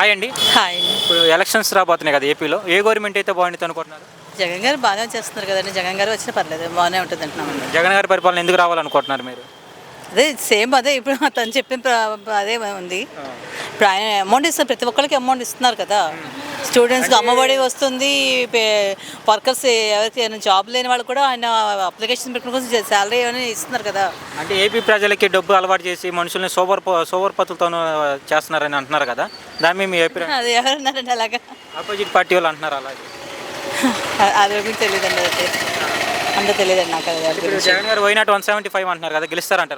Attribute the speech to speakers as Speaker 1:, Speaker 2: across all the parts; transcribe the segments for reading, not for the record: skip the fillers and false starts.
Speaker 1: Hi అండి.
Speaker 2: Hi.
Speaker 1: ఇప్పుడు elections రాబోతున్నాయి కదా ఏపీలో. ఏ గవర్నమెంట్ అయితే బాగుంటుంది అనుకుంటున్నారు?
Speaker 2: జగన్ గారు బాగా చేస్తున్నారు కదండి. జగన్ గారు వచ్చినా పర్లేదు, బాగానే ఉంటుంది అంటున్నామండి.
Speaker 1: జగన్ గారి పరిపాలన ఎందుకు రావాలనుకుంటున్నారు మీరు?
Speaker 2: అదే సేమ్ అదే ఇప్పుడు తను చెప్పిన అదే ఉంది. ఇప్పుడు ఆయన అమౌంట్ ఇస్తారు, ప్రతి ఒక్కరికి అమౌంట్ ఇస్తున్నారు కదా. స్టూడెంట్స్కి అమ్మఒడి వస్తుంది, వర్కర్స్ ఎవరికి జాబ్ లేని వాళ్ళు కూడా ఆయన అప్లికేషన్ పెట్టిన కోసం శాలరీ అని ఇస్తున్నారు కదా.
Speaker 1: అంటే ఏపీ ప్రజలకి డబ్బు అలవాటు చేసి మనుషుల్ని సోవర్పతులతో చేస్తున్నారని అంటున్నారు కదా, దాని మీద మీ అభిప్రాయం?
Speaker 2: అది ఎవరన్నారండి అలాగా?
Speaker 1: ఆపోజిట్ పార్టీ వాళ్ళు అంటున్నారు అలాగే.
Speaker 2: అది గురించి తెలియదండి, అయితే అంత తెలియదండి నాకు.
Speaker 1: ఇప్పుడు జగన్ గారు వైనాట్ 175 అంటున్నారు కదా, గెలుస్తారంటారు?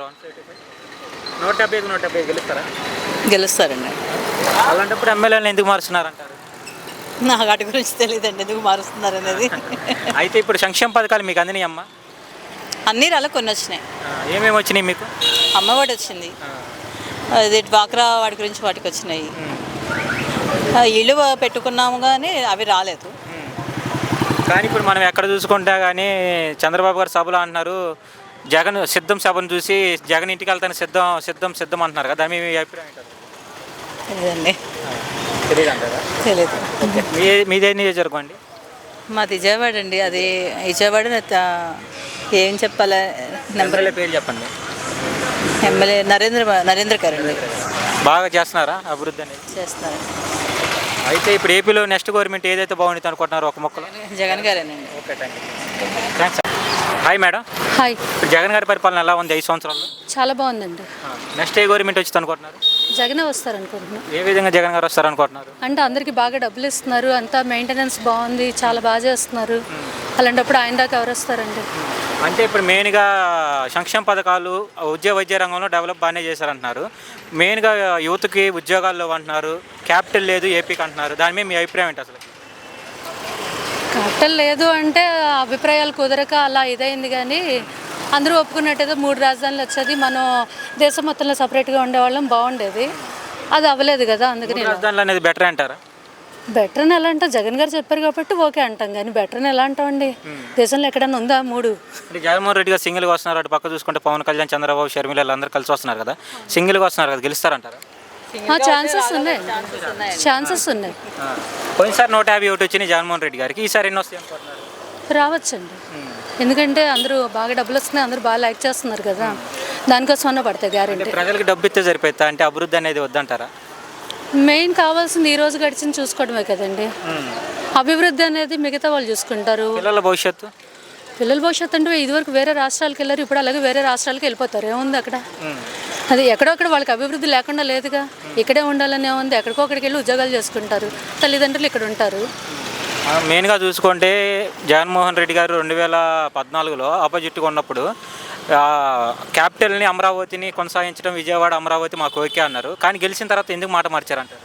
Speaker 1: 175 170 గెలుస్తారా?
Speaker 2: గెలుస్తారండి.
Speaker 1: అలాంటప్పుడు ఎమ్మెల్యేలను ఎందుకు మారుస్తున్నారంటారు?
Speaker 2: నాకు వాటి గురించి తెలియదండి, ఎందుకు మారుస్తున్నారు అనేది.
Speaker 1: అయితే ఇప్పుడు సంక్షేమ పథకాలు మీకు అందినాయి అమ్మా?
Speaker 2: అన్నీ రాళ్ళ కొన్ని వచ్చినాయి.
Speaker 1: ఏమేమి వచ్చినాయి మీకు?
Speaker 2: అమ్మఒడి వచ్చింది, అది డ్వాక్రా వాటి గురించి వాటికి వచ్చినాయి. ఇల్లు పెట్టుకున్నాము కానీ అవి రాలేదు.
Speaker 1: కానీ ఇప్పుడు మనం ఎక్కడ చూసుకుంటా కానీ చంద్రబాబు గారు సభలో అంటున్నారు, జగన్ సిద్ధం సభను చూసి జగన్ ఇంటికి వెళ్తాను సిద్ధం సిద్ధం సిద్ధం అంటున్నారు కదా, మీ అభిప్రాయం ఏంటారు?
Speaker 2: తెలియదండి.
Speaker 1: తెలియదు అంటారా?
Speaker 2: తెలియదు.
Speaker 1: మీదే నియోజకవర్గం అండి?
Speaker 2: మాది విజయవాడ అండి. అది విజయవాడ ఏం చెప్పాలి, నెంబర్
Speaker 1: పేరు చెప్పండి.
Speaker 2: ఎమ్మెల్యే నరేంద్ర గారు అండి.
Speaker 1: బాగా చేస్తున్నారా అభివృద్ధి అనేది?
Speaker 2: చేస్తున్నారు.
Speaker 1: అయితే ఇప్పుడు ఏపీలో నెక్స్ట్ గవర్నమెంట్ ఏదైతే బాగుంటుంది అనుకుంటున్నారో ఒక మొక్కలో?
Speaker 2: జగన్ గారేనండి.
Speaker 1: Okay, thanks. Hi madam.
Speaker 3: Hi.
Speaker 1: ఇప్పుడు జగన్ గారి పరిపాలన ఎలా ఉంది 5 సంవత్సరాల్లో?
Speaker 3: చాలా బాగుందండి.
Speaker 1: నెక్స్ట్ ఏ గవర్నమెంట్ వచ్చింది అనుకుంటున్నారు?
Speaker 3: జగనే వస్తారనుకుంటున్నాను.
Speaker 1: ఏ విధంగా జగన్ గారు వస్తారు అనుకుంటున్నారు?
Speaker 3: అంటే అందరికీ బాగా డబ్బులు ఇస్తున్నారు, అంతా మెయింటెనెన్స్ బాగుంది, చాలా బాగా చేస్తున్నారు. అలాంటప్పుడు ఆయన దాకా ఎవరు వస్తారండి?
Speaker 1: అంటే ఇప్పుడు మెయిన్గా సంక్షేమ పథకాలు వైద్య రంగంలో డెవలప్ బాగానే చేశారంటున్నారు. మెయిన్గా యూత్కి ఉద్యోగాల్లో అంటున్నారు, క్యాపిటల్ లేదు ఏపీకి అంటున్నారు. దాని మీద మీ అభిప్రాయం ఏంటి అసలు?
Speaker 3: క్యాపిటల్ లేదు అంటే అభిప్రాయాలు కుదరక అలా ఇదైంది, కానీ అందరూ ఒప్పుకున్నట్టయితే 3 రాజధానులు వచ్చేది, మనం దేశం మొత్తంలో సపరేట్గా ఉండేవాళ్ళం, బాగుండేది. అది అవ్వలేదు కదా, అందుకని
Speaker 1: రాజధానులు అనేది బెటర్ అంటారా?
Speaker 3: బెటర్ అని ఎలా అంటాం, జగన్ గారు చెప్పారు కాబట్టి ఓకే అంటాం, కానీ బెటర్ అని ఎలా అంటామండి? దేశంలో ఎక్కడైనా ఉందా 3?
Speaker 1: అంటే జగన్మోహన్ రెడ్డి గారు సింగిల్గా వస్తున్నారు, అటు పక్క చూసుకుంటే పవన్ కళ్యాణ్, చంద్రబాబు, షర్మిల వీళ్ళందరూ కలిసి వస్తున్నారు కదా, సింగిల్గా వస్తున్నారు కదా, గెలుస్తారంటారా?
Speaker 3: ఛాన్సెస్ ఉన్నాయి, ఛాన్సెస్ ఉన్నాయి.
Speaker 1: పోయినసారి 151 వచ్చినాయి జగన్మోహన్ రెడ్డి గారికి, ఈసారి ఎన్ని వస్తాయి అనుకుంటున్నారు?
Speaker 3: రావచ్చండి, ఎందుకంటే అందరూ బాగా డబ్బులు వస్తున్నాయి, అందరూ బాగా లైక్ చేస్తున్నారు కదా, దానికోసం అన్న పడతాయి గ్యారెంటీ.
Speaker 1: ప్రజలకు డబ్బు ఇస్తే సరిపోతా, అంటే అభివృద్ధి అనేది వద్దంటారా?
Speaker 3: మెయిన్ కావాల్సింది ఈ రోజు గడిచింది చూసుకోవడమే కదండి. అభివృద్ధి అనేది మిగతా వాళ్ళు చూసుకుంటారు.
Speaker 1: పిల్లల భవిష్యత్తు
Speaker 3: అంటే ఇదివరకు వేరే రాష్ట్రాలకు వెళ్ళారు, ఇప్పుడు అలాగే వేరే రాష్ట్రాలకు వెళ్ళిపోతారు. ఏముంది అక్కడ? అది ఎక్కడొక్కడ వాళ్ళకి అభివృద్ధి లేకుండా లేదుగా, ఇక్కడే ఉండాలని ఏముంది, ఎక్కడికో అక్కడికి వెళ్ళి ఉద్యోగాలు చేసుకుంటారు, తల్లిదండ్రులు ఇక్కడ ఉంటారు.
Speaker 1: మెయిన్గా చూసుకుంటే జగన్మోహన్ రెడ్డి గారు 2014లో ఆపోజిట్గా ఉన్నప్పుడు క్యాపిటల్ని అమరావతిని కొనసాగించడం, విజయవాడ అమరావతి మాకు ఓకే అన్నారు, కానీ గెలిచిన తర్వాత ఎందుకు మాట మార్చారంటారు?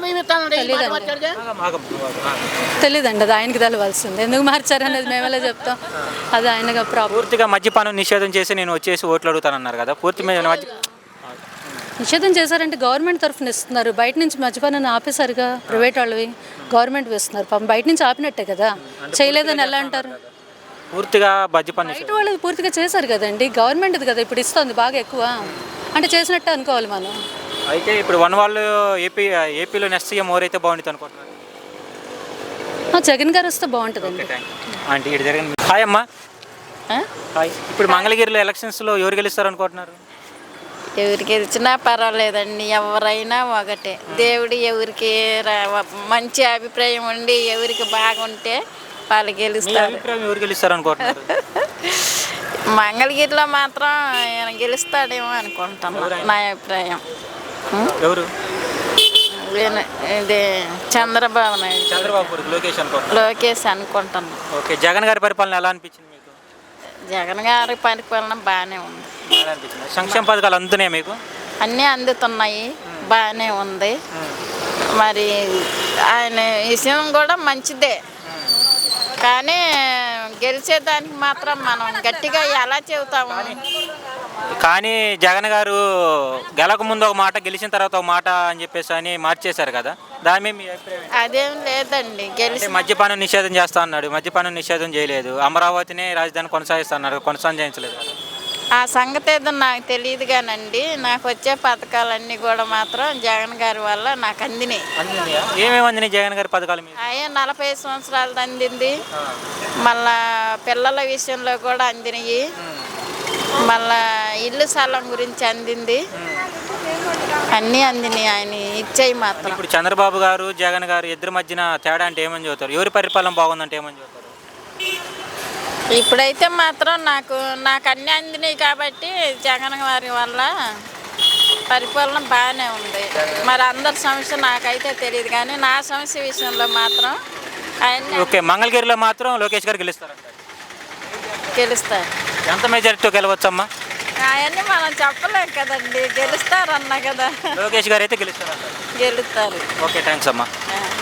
Speaker 3: తెలీదండి, అది ఆయనకి తెలవాల్సింది, ఎందుకు మార్చారు అనేది మేమెలా చెప్తాం, అది ఆయనగా ప్రాబ్లం.
Speaker 1: పూర్తిగా మద్యపానం నిషేధం చేసి నేను వచ్చేసి ఓట్లు అడుగుతానన్నారు కదా, పూర్తి మీద
Speaker 3: నిషేధం చేశారంటే గవర్నమెంట్ తరఫున ఇస్తున్నారు, బయట నుంచి మద్యపానాన్ని ఆపేశారుగా, ప్రైవేట్ వాళ్ళవి గవర్నమెంట్ వేస్తున్నారు, పాపం బయట నుంచి ఆపినట్టే కదా, చేయలేదని ఎలా అంటారు?
Speaker 1: పూర్తిగా మద్యపానం
Speaker 3: బయట వాళ్ళు పూర్తిగా చేశారు కదండి, గవర్నమెంట్ది కదా ఇప్పుడు ఇస్తుంది బాగా ఎక్కువ, అంటే చేసినట్టే అనుకోవాలి మనం.
Speaker 1: అయితే ఇప్పుడు వాళ్ళు ఏపీలో నెక్స్ట్ సీఎం ఎవరైతే బాగుంటుంది అనుకుంటున్నారు?
Speaker 3: జగన్ గారు వస్తే బాగుంటుందండి.
Speaker 1: అంటే ఇటు జరిగింది. హాయ్ అమ్మా. హాయ్. ఇప్పుడు మంగళగిరిలో ఎలక్షన్స్లో ఎవరు గెలుస్తారు అనుకుంటున్నారు?
Speaker 4: ఎవరికి గెలిచినా పర్వాలేదండి, ఎవరైనా ఒకటే. దేవుడు ఎవరికి మంచి అభిప్రాయం ఉండి ఎవరికి బాగుంటే వాళ్ళు గెలుస్తారు.
Speaker 1: ఎవరు గెలుస్తారు అనుకుంటున్నారు?
Speaker 4: మంగళగిరిలో మాత్రం ఆయన గెలుస్తాడేమో అనుకుంటున్నాను, నా అభిప్రాయం.
Speaker 1: ఎవరు?
Speaker 4: ఇది చంద్రబాబు నాయుడు, లోకేష్ అనుకుంటున్నాను.
Speaker 1: ఓకే. జగన్ గారి పరిపాలన ఎలా అనిపించింది మీకు?
Speaker 4: జగన్ గారి పరిపాలన బాగానే ఉంది.
Speaker 1: సంక్షేమ పథకాలు అందుతున్నాయి మీకు?
Speaker 4: అన్నీ అందుతున్నాయి, బాగానే ఉంది. మరి ఆయన విషయం కూడా మంచిదే, కానీ గెలిచేదానికి మాత్రం మనం గట్టిగా ఎలా చెబుతాము?
Speaker 1: కానీ జగన్ గారు గెలక ముందు ఒక మాట, గెలిచిన తర్వాత ఒక మాట అని చెప్పేసి అని మార్చేశారు కదా, దాని మీద మీ అభిప్రాయం?
Speaker 4: అదేం లేదండి, గెలిచి
Speaker 1: మద్యపానం నిషేధం చేస్తా అన్నాడు, మద్యపానం నిషేధం చేయలేదు, అమరావతిని రాజధాని కొనసాగిస్తా అన్నాడు, కొనసాగించలేదు కదా.
Speaker 4: ఆ సంగతి ఏదో నాకు తెలియదు కానండి, నాకు వచ్చే పథకాలన్నీ కూడా మాత్రం జగన్ గారి వల్ల నాకు అందినాయి.
Speaker 1: అందినాయా? ఏమేమి అందినాయి జగన్ గారి పథకాలు మీద?
Speaker 4: అయ్యే 45 సంవత్సరాలది అందింది, మళ్ళా పిల్లల విషయంలో కూడా అందినాయి, మళ్ళా ఇల్లు స్థలం గురించి అందింది, అన్నీ అందినాయి ఆయన ఇచ్చేయి మాత్రం.
Speaker 1: ఇప్పుడు చంద్రబాబు గారు జగన్ గారు ఇద్దరి మధ్యన తేడా అంటే ఏమని చెబుతారు? ఎవరి పరిపాలన బాగుందంటే ఏమని చెబుతారు?
Speaker 4: ఇప్పుడైతే మాత్రం నాకు అన్నీ అందినాయి కాబట్టి జగన్ గారి వల్ల పరిపాలన బాగానే ఉంది. మరి అందరి సమస్య నాకైతే తెలియదు కానీ నా సమస్య విషయంలో మాత్రం ఆయన
Speaker 1: ఓకే, మంగళగిరిలో మాత్రం లోకేష్ గారు గెలుస్తారంట.
Speaker 4: గెలుస్తారు.
Speaker 1: ఎంత మెజారిటీతో గెలవచ్చమ్మా?
Speaker 4: అవన్నీ మనం చెప్పలేం కదండి, గెలుస్తారన్నా కదా.
Speaker 1: లోకేష్ గారు అయితే గెలుస్తారంట.
Speaker 4: గెలుస్తారు.
Speaker 1: ఓకే, థ్యాంక్స్ అమ్మా.
Speaker 4: ఆ.